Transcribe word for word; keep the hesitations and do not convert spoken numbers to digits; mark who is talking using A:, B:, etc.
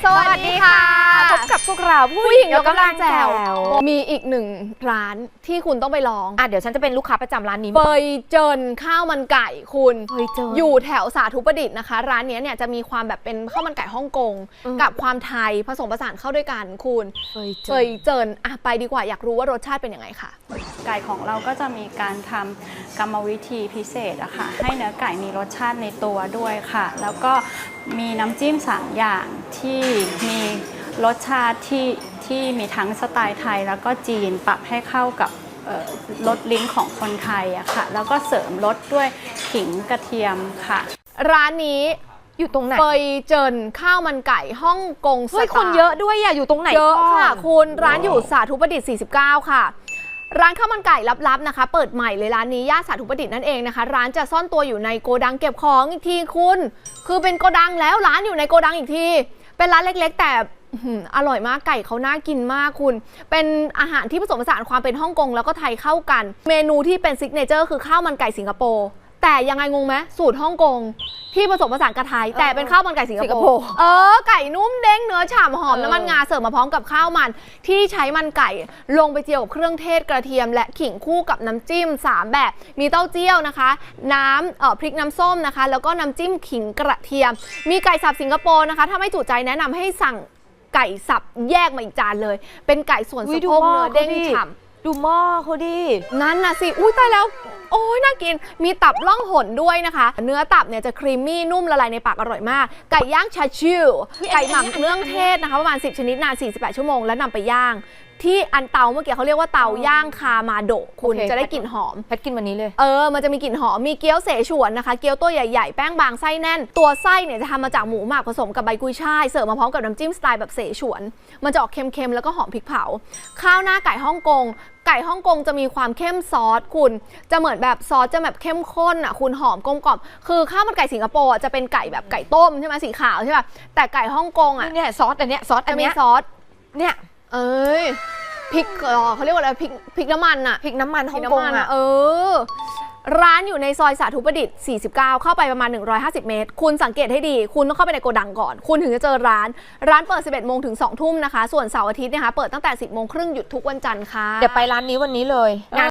A: สวัสดีค่ะพบกับพวกเราผู้หญิงยกกำลังแจ๋วมีอีกหนึ่งร้านที่คุณต้องไปลองอ่ะเดี๋ยวฉันจะเป็นลูกค้าประจำร้านนี้เฟยเจินข้าวมันไก่คุณเฟยเจินอยู่แถวสาธุประดิษฐ์นะคะร้านนี้เนี่ยจะมีความแบบเป็นข้าวมันไก่ฮ่องกงกับความไทยผสมผสานเข้าด้วยกันคุณเฟยเจินเฟยเจินอ่ะไปดีกว่าอยากรู้ว่ารสชาติเป็นยังไงค่ะ
B: ไก่ของเราก็จะมีการทำกรรมวิธีพิเศษอะค่ะให้เนื้อไก่มีรสชาติในตัวด้วยค่ะแล้วก็มีน้ำจิ้มสามอย่างที่มีรสชาติที่ที่มีทั้งสไตล์ไทยแล้วก็จีนปรับให้เข้ากับรสลิ้นของคนไทยอะค่ะแล้วก็เสริมรสด้วยขิงกระเทียมค่ะ
A: ร้านนี้อยู่ตรงไหนเฟยเจินข้าวมันไก่ฮ่องกงสไตล์คนเยอะด้วยอะอยู่ตรงไหนเยอะค่ะคุณร้านอยู่สาธุประดิษฐ์สี่สิบเก้าค่ะร้านข้าวมันไก่ลับๆนะคะเปิดใหม่เลยร้านนี้ย่านสาธุประดิษฐ์นั่นเองนะคะร้านจะซ่อนตัวอยู่ในโกดังเก็บของอีกทีคุณคือเป็นโกดังแล้วร้านอยู่ในโกดังอีกทีเป็นร้านเล็กๆแต่อร่อยมากไก่เขาน่ากินมากคุณเป็นอาหารที่ผสมผสานความเป็นฮ่องกงแล้วก็ไทยเข้ากันเมนูที่เป็นซิกเนเจอร์คือข้าวมันไก่สิงคโปร์แต่ยังไงงงไหมสูตรฮ่องกงที่ผสมผสานกับไทยแต่เป็นข้าวมันไก่สิงคโปร์เออไก่นุ่มเด้งเนื้อฉ่ำหอมน้ำมันงาเสิร์ฟมาพร้อมกับข้าวมันที่ใช้มันไก่ลงไปเจียวกับเครื่องเทศกระเทียมและขิงคู่กับน้ำจิ้มสามแบบมีเต้าเจี้ยวนะคะน้ำเอ่อพริกน้ำส้มนะคะแล้วก็น้ำจิ้มขิงกระเทียมมีไก่สับสิงคโปร์นะคะถ้าไม่จุใจแนะนำให้สั่งไก่สับแยกมาอีกจานเลยเป็นไก่ส่วนสะโพกเนื้อเด้งฉ่ำดูหม้อเขาดินั่นน่ะสิอุ้ยตายแล้วโอ้ยน่ากินมีตับล่องหนด้วยนะคะเนื้อตับเนี่ยจะครีมมี่นุ่มละลายในปากอร่อยมากไก่ย่างชาชิวไก่หมักเครื่องเทศนะคะประมาณสิบชนิดนานสี่สิบแปดชั่วโมงแล้วนำไปย่างที่อันเตาเมื่อกี้เขาเรียกว่าเตาย่างคามาโดะคุณจะได้กลิ่นหอมแพทกินวันนี้เลยเออมันจะมีกลิ่นหอมมีเกี๊ยวเสฉวนนะคะเกี๊ยวตัวใหญ่ๆแป้งบางไส้แน่นตัวไส้เนี่ยจะทำมาจากหมูหมักผสมกับใบกุยช่ายเสิร์ฟมาพร้อมกับน้ำจิ้มสไตล์แบบเสฉวนมันจะออกเค็มๆแล้วก็หอมพริกเผาข้าวหน้าไก่ฮ่องกงไก่ฮ่องกงจะมีความเข้มซอสคุณจะเหมือนแบบซอสจะแบบเข้มข้นอ่ะคุณหอมกลมกล่อมคือข้าวมันไก่สิงคโปร์จะเป็นไก่แบบไก่ต้มใช่ไหมสีขาวใช่ป่ะแต่ไก่ฮ่องกงอ่ะเนี่ยซอสอันเนี้ยซอสอันเนี้ยซอสเนี่ยเอ้ยพริกเขาเรียกว่าอะไรพริกพริกน้ำมันอะพริกน้ำมันฮ่องกงอะเออร้านอยู่ในซอยสาธุประดิษฐ์สี่สิบเก้าเข้าไปประมาณหนึ่งร้อยห้าสิบเมตรคุณสังเกตให้ดีคุณต้องเข้าไปในโกดังก่อนคุณถึงจะเจอร้านร้านเปิดสิบเอ็ดโมงถึงสองทุ่มนะคะส่วนเสาร์อาทิตย์นะคะเปิดตั้งแต่สิบโมงครึ่งหยุดทุกวันจันทร์ค่ะ
C: เดี๋ยวไปร้านนี้วันนี้เลยงาน